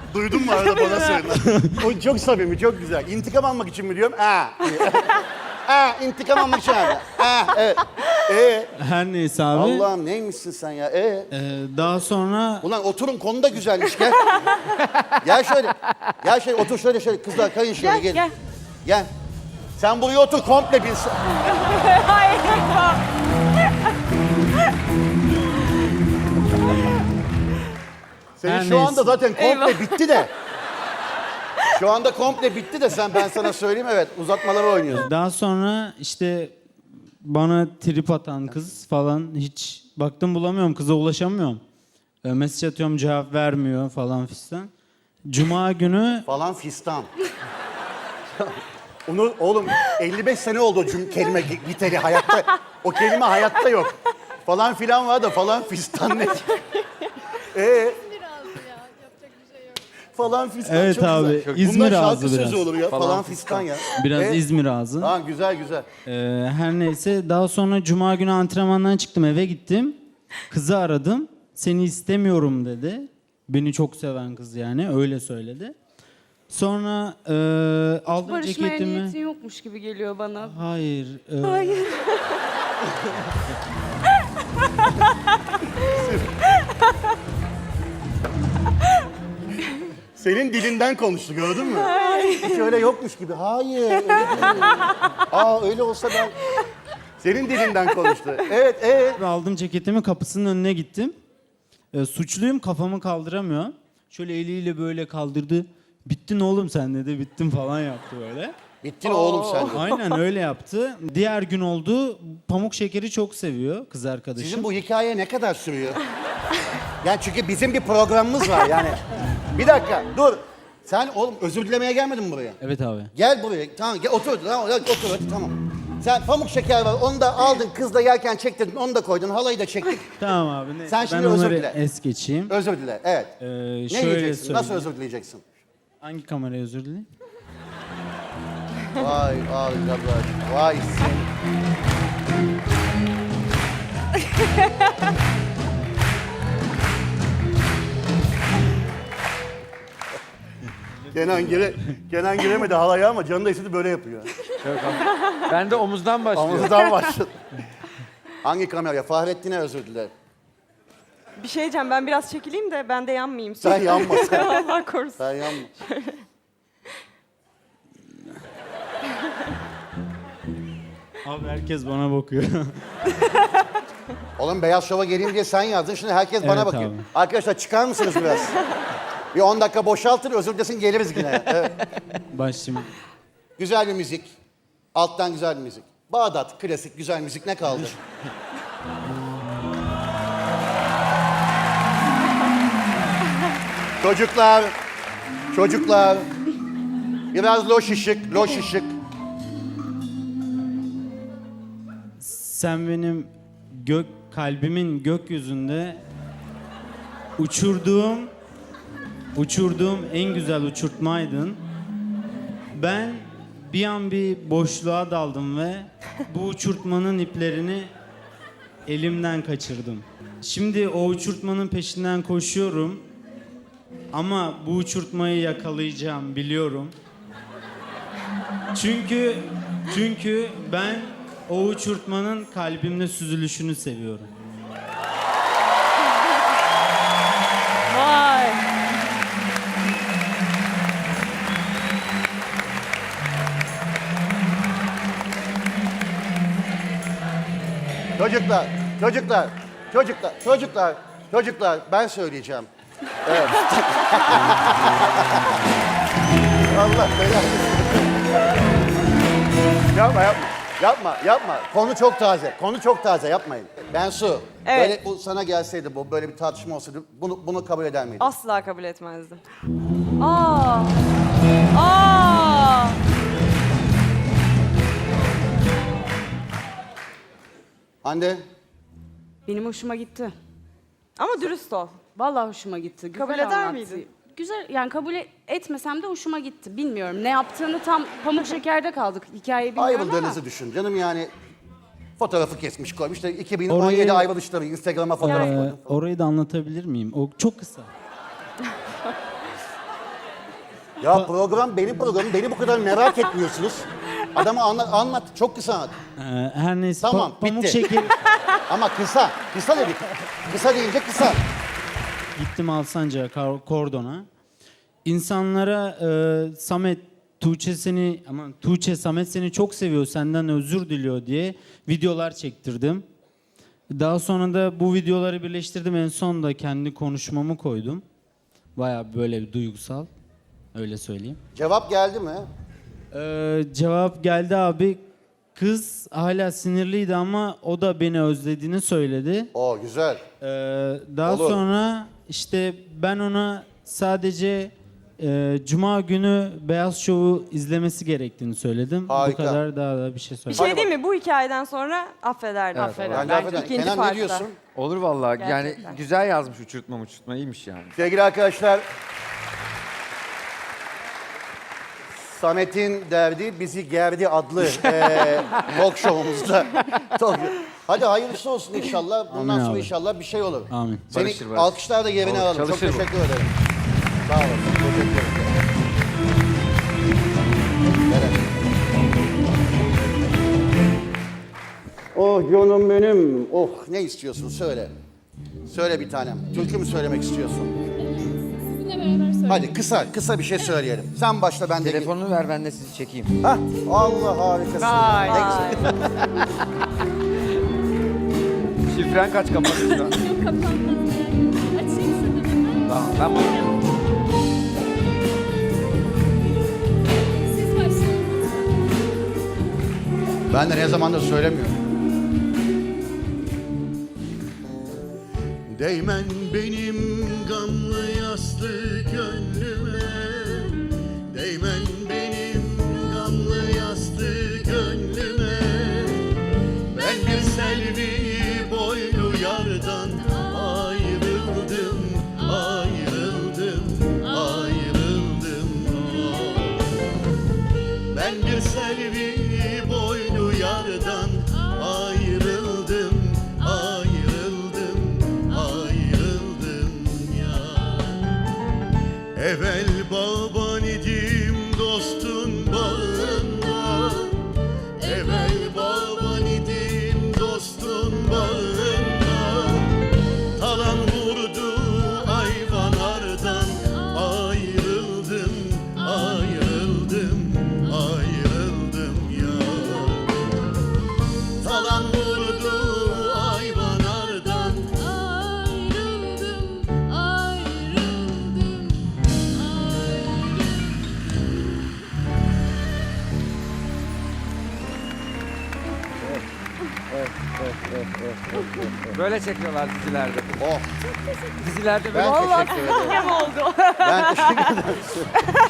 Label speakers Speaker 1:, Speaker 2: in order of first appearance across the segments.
Speaker 1: Duydun mu arada bana söyle. O çok samimi, çok güzel. İntikam almak için mi diyorum? İntikam almak için abi. Evet.
Speaker 2: Her neyse abi.
Speaker 1: Allah'ım neymişsin sen ya?
Speaker 2: Daha sonra
Speaker 1: Ulan oturun, konu da güzelmiş, gel. Gel şöyle. Gel şöyle, otur şöyle. Kızlar kayın şöyle,
Speaker 3: Gel,
Speaker 1: gelin.
Speaker 3: gel.
Speaker 1: Gel. Sen buraya otur, komple bir...
Speaker 3: Hayır.
Speaker 1: Senin
Speaker 2: Her
Speaker 1: şu anda
Speaker 2: neyse.
Speaker 1: zaten komple
Speaker 3: Eyvah.
Speaker 1: bitti de. Şu anda komple bitti de ben sana söyleyeyim, evet, uzatmaları oynuyorsun.
Speaker 2: daha sonra işte bana trip atan kız falan hiç baktım bulamıyorum, kıza ulaşamıyorum. Mesaj atıyorum, cevap vermiyor falan fistan. Cuma günü
Speaker 1: Falan fistan. Onu oğlum 55 sene oldu o kelime giteri hayatta. O kelime hayatta yok. Falan filan var da falan fistan ne? Falan fistan
Speaker 2: Evet
Speaker 1: çok
Speaker 2: abi,
Speaker 1: güzel.
Speaker 2: İzmir
Speaker 1: Bunlar şarkı
Speaker 2: ağzı
Speaker 1: sözü
Speaker 2: biraz.
Speaker 1: olur ya. Falan fistan ya.
Speaker 2: biraz İzmir ağzı.
Speaker 1: Ha, güzel.
Speaker 2: Her neyse daha sonra cuma günü antrenmandan çıktım, eve gittim. Kızı aradım. Seni istemiyorum dedi. Beni çok seven kız yani, öyle söyledi. Sonra aldım
Speaker 3: Barışmaya
Speaker 2: ceketimi.
Speaker 3: niyetin yokmuş gibi geliyor bana.
Speaker 2: Hayır.
Speaker 3: Hayır.
Speaker 1: Senin dilinden konuştu, gördün mü? Hiç öyle yokmuş gibi. Hayır, öyle değil. Öyle olsa ben... Senin dilinden konuştu. Evet.
Speaker 2: Aldım ceketimi, kapısının önüne gittim. Suçluyum, kafamı kaldıramıyor. Şöyle eliyle böyle kaldırdı. Bittin oğlum sen dedi, bittin falan yaptı böyle.
Speaker 1: Bittin oğlum sen de.
Speaker 2: Aynen öyle yaptı. Diğer gün oldu. Pamuk şekeri çok seviyor kız arkadaşım.
Speaker 1: Sizin bu hikaye ne kadar sürüyor? Yani çünkü bizim bir programımız var yani. Bir dakika, dur. Sen oğlum özür dilemeye gelmedin mi buraya?
Speaker 2: Evet abi.
Speaker 1: Gel buraya, tamam gel otur, otur hadi, tamam. Sen pamuk şeker var, onu da aldın, kızla yerken çektirdin, onu da koydun, halayı da çektik.
Speaker 2: Tamam abi. Neyse.
Speaker 1: Sen şimdi
Speaker 2: ben
Speaker 1: özür
Speaker 2: onları
Speaker 1: dile.
Speaker 2: es geçeyim.
Speaker 1: Özür dile, evet. Ne
Speaker 2: Şöyle
Speaker 1: diyeceksin, nasıl
Speaker 2: söyleyeyim.
Speaker 1: özür dileyeceksin?
Speaker 2: Hangi kameraya özür dileyim?
Speaker 1: Vay arkadaş, vay sen. Kenan giremedi halaya ama canı da istedi, böyle yapıyor.
Speaker 4: Ben de omuzdan başlıyorum.
Speaker 1: Omuzdan başladı. Hangi kameraya? Fahrettin'e özür dile.
Speaker 5: Bir şey diyeceğim, ben biraz çekileyim de ben de yanmayayım.
Speaker 1: Sen yanma sen.
Speaker 5: Allah korusun.
Speaker 1: Sen yanma.
Speaker 2: Abi herkes bana bakıyor.
Speaker 1: Oğlum Beyaz Şov'a geleyim diye sen yazdın. Şimdi herkes bana
Speaker 2: Evet
Speaker 1: bakıyor.
Speaker 2: abi.
Speaker 1: Arkadaşlar çıkar mısınız biraz? Bir 10 dakika boşaltır, özür dilesin, geliriz yine. Evet.
Speaker 2: Başlayayım.
Speaker 1: Güzel bir müzik. Alttan güzel bir müzik. Bağdat, klasik, güzel müzik ne kaldı? Çocuklar. Biraz loş ışık.
Speaker 2: Sen benim kalbimin gökyüzünde uçurduğum en güzel uçurtmaydın. Ben bir an bir boşluğa daldım ve bu uçurtmanın iplerini elimden kaçırdım. Şimdi o uçurtmanın peşinden koşuyorum. Ama bu uçurtmayı yakalayacağım, biliyorum. Çünkü ben o uçurtmanın kalbimde süzülüşünü seviyorum.
Speaker 5: Vay.
Speaker 1: Çocuklar, ben söyleyeceğim. Evet. Allah belanı. Yapma. Konu çok taze, yapmayın. Bensu,
Speaker 5: Evet.
Speaker 1: böyle bu sana gelseydi, böyle bir tartışma olsaydı, bunu kabul eder miydin?
Speaker 5: Asla kabul etmezdim. Aa.
Speaker 1: Hande,
Speaker 3: Benim hoşuma gitti.
Speaker 5: Ama dürüst ol.
Speaker 3: Vallahi hoşuma gitti. Güzel
Speaker 5: Kabul eder
Speaker 3: anlattı.
Speaker 5: miydin?
Speaker 3: Güzel, yani kabul etmesem de hoşuma gitti. Bilmiyorum ne yaptığını, tam pamuk şekerde kaldık. Hikayeyi bilmiyorum ama.
Speaker 1: ayrıldığınızı düşün. Canım yani fotoğrafı kesmiş koymuş. İşte 2017
Speaker 2: Orayı-
Speaker 1: ayrılışları, Instagram'a fotoğraf koydum.
Speaker 2: Orayı da anlatabilir miyim? O çok kısa.
Speaker 1: Ya program benim programım. Beni bu kadar merak etmiyorsunuz. Adama anlat. Çok kısa anlat.
Speaker 2: Her neyse
Speaker 1: Tamam,
Speaker 2: pamuk
Speaker 1: bitti.
Speaker 2: şeker.
Speaker 1: Ama kısa. Kısa dedik. Kısa deyince kısa.
Speaker 2: Gittim Alsancak'a kordona. İnsanlara Samet, Tuğçe Samet seni çok seviyor, senden özür diliyor diye videolar çektirdim. Daha sonra da bu videoları birleştirdim. En son da kendi konuşmamı koydum. Bayağı böyle bir duygusal. Öyle söyleyeyim.
Speaker 1: Cevap geldi mi?
Speaker 2: Cevap geldi abi. Kız hala sinirliydi ama o da beni özlediğini söyledi.
Speaker 1: Oo güzel.
Speaker 2: Daha
Speaker 1: Olur.
Speaker 2: sonra işte ben ona sadece Cuma günü Beyaz Show'u izlemesi gerektiğini söyledim.
Speaker 1: Harika.
Speaker 2: Bu kadar, daha da bir şey
Speaker 5: Bir
Speaker 2: söylemedim.
Speaker 5: şey değil mi? Bu hikayeden sonra affederdim.
Speaker 1: Ben de affederim.
Speaker 5: İkinci
Speaker 1: Kenan ne
Speaker 5: parkta.
Speaker 1: diyorsun?
Speaker 4: Olur vallahi.
Speaker 5: Gerçekten.
Speaker 4: Yani güzel yazmış uçurtma iyiymiş yani.
Speaker 1: Sevgili arkadaşlar, Samet'in derdi bizi gerdi adlı talk show'umuzda. Hadi hayırlısı olsun inşallah. Bundan
Speaker 2: Amin
Speaker 1: sonra
Speaker 2: abi.
Speaker 1: inşallah bir şey olur.
Speaker 2: Amin.
Speaker 1: Seni
Speaker 4: Barışır.
Speaker 1: alkışlar da yerine
Speaker 4: Olur,
Speaker 1: alalım. Çok
Speaker 4: çalışır bu.
Speaker 1: teşekkür ederim. Sağ olasın. Teşekkür ederim. Evet. Oh canım benim. Oh ne istiyorsun söyle. Söyle bir tanem. Türkü mü söylemek istiyorsun?
Speaker 6: Sizinle beraber söyle.
Speaker 1: Hadi kısa bir şey söyleyelim. Sen başla ben de.
Speaker 4: Telefonunu ver ben de sizi çekeyim.
Speaker 1: Hah, Allah harikasın.
Speaker 5: Vay.
Speaker 1: Ne güzel.
Speaker 4: Şifren kaç kapalı şu an?
Speaker 6: Yok kapanmadı. Açayım sana.
Speaker 4: Tamam ben bunu...
Speaker 6: Siz başlayın.
Speaker 1: Ben de ne zamandır söylemiyorum. Değmen benim gamlı yaslı gönlüme. Değmen benim gamlı yaslı gönlüme. Ben bir selvi boylu yardan ayrıldım, ayrıldım, ayrıldım. Ben bir selvi boylu yardan ayrıldım, ayrıldım, ayrıldım ya. Evvel baban idim dostun bağında, evvel baban idim dostun bağında. Talan vurdu ayvanlardan ayrıldım, ayrıldım, ayrıldım ya. Talan vurdu ayvanlardan.
Speaker 6: Ayrıldım, ayrıldım, ayrıldım.
Speaker 4: Böyle çekiyorlar dizilerde.
Speaker 1: Oh,
Speaker 4: Dizilerde
Speaker 1: ben
Speaker 4: böyle...
Speaker 1: teşekkür ederim.
Speaker 5: Hem oldu.
Speaker 1: Ben teşekkür ederim.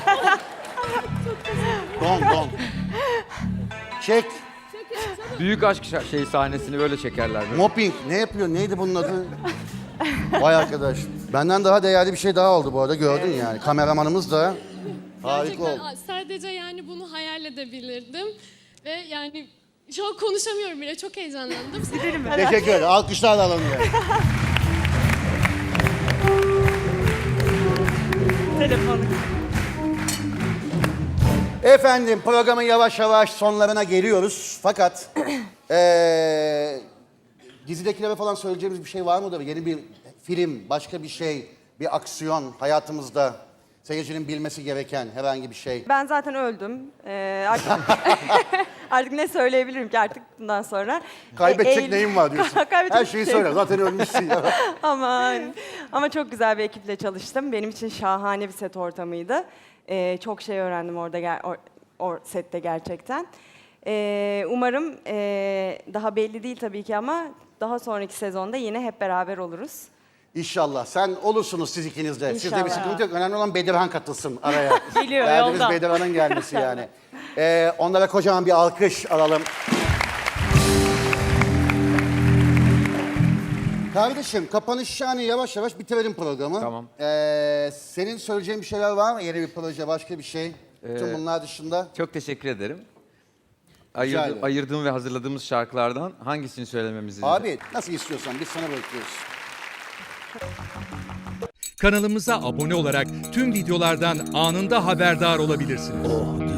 Speaker 1: Don. Çek.
Speaker 4: Büyük aşk sahnesini böyle çekerler. Böyle.
Speaker 1: Mopping. Ne yapıyor? Neydi bunun adı? Vay arkadaş. Benden daha değerli bir şey daha oldu bu arada. Gördün yani. Kameramanımız da harika
Speaker 6: Gerçekten
Speaker 1: oldu.
Speaker 6: sadece yani bunu hayal edebilirdim. Ve yani şu an konuşamıyorum bile. Çok heyecanlandım.
Speaker 1: Teşekkür ederim. Alkışlarla alalım yani.
Speaker 5: Telefonu.
Speaker 1: Efendim programın yavaş yavaş sonlarına geliyoruz. Fakat dizidekilere falan söyleyeceğimiz bir şey var mıdır? Yeni bir film, başka bir şey, bir aksiyon hayatımızda seyircinin bilmesi gereken herhangi bir şey.
Speaker 5: Ben zaten öldüm. Artık, artık ne söyleyebilirim ki artık bundan sonra?
Speaker 1: Kaybedecek neyim var diyorsun.
Speaker 5: Kaybedecek
Speaker 1: Her
Speaker 5: bir
Speaker 1: şeyi
Speaker 5: şey
Speaker 1: söyle.
Speaker 5: yok.
Speaker 1: Zaten ölmüşsün ya.
Speaker 5: Aman. Ama çok güzel bir ekiple çalıştım. Benim için şahane bir set ortamıydı. Çok şey öğrendim orada sette gerçekten. Umarım daha belli değil tabii ki ama daha sonraki sezonda yine hep beraber oluruz.
Speaker 1: İnşallah. Sen olursunuz siz ikiniz de. Sizde bir
Speaker 5: İnşallah.
Speaker 1: sıkıntı yok. Önemli olan Bedirhan katılsın araya.
Speaker 5: Geliyor,
Speaker 1: Derdimiz
Speaker 5: yolda.
Speaker 1: Bedirhan'ın gelmesi yani. Onlara kocaman bir alkış alalım. Kardeşim kapanış yani yavaş yavaş bitirelim programı.
Speaker 4: Tamam.
Speaker 1: Senin söyleyeceğin bir şeyler var mı? Yeni bir proje, başka bir şey? Tüm bunlar dışında.
Speaker 4: Çok teşekkür ederim.
Speaker 1: Rica ederim.
Speaker 4: Ayırdığım ve hazırladığımız şarkılardan hangisini söylememizi...
Speaker 1: Abi nasıl istiyorsan biz sana bırakıyoruz.
Speaker 7: Kanalımıza abone olarak tüm videolardan anında haberdar olabilirsiniz.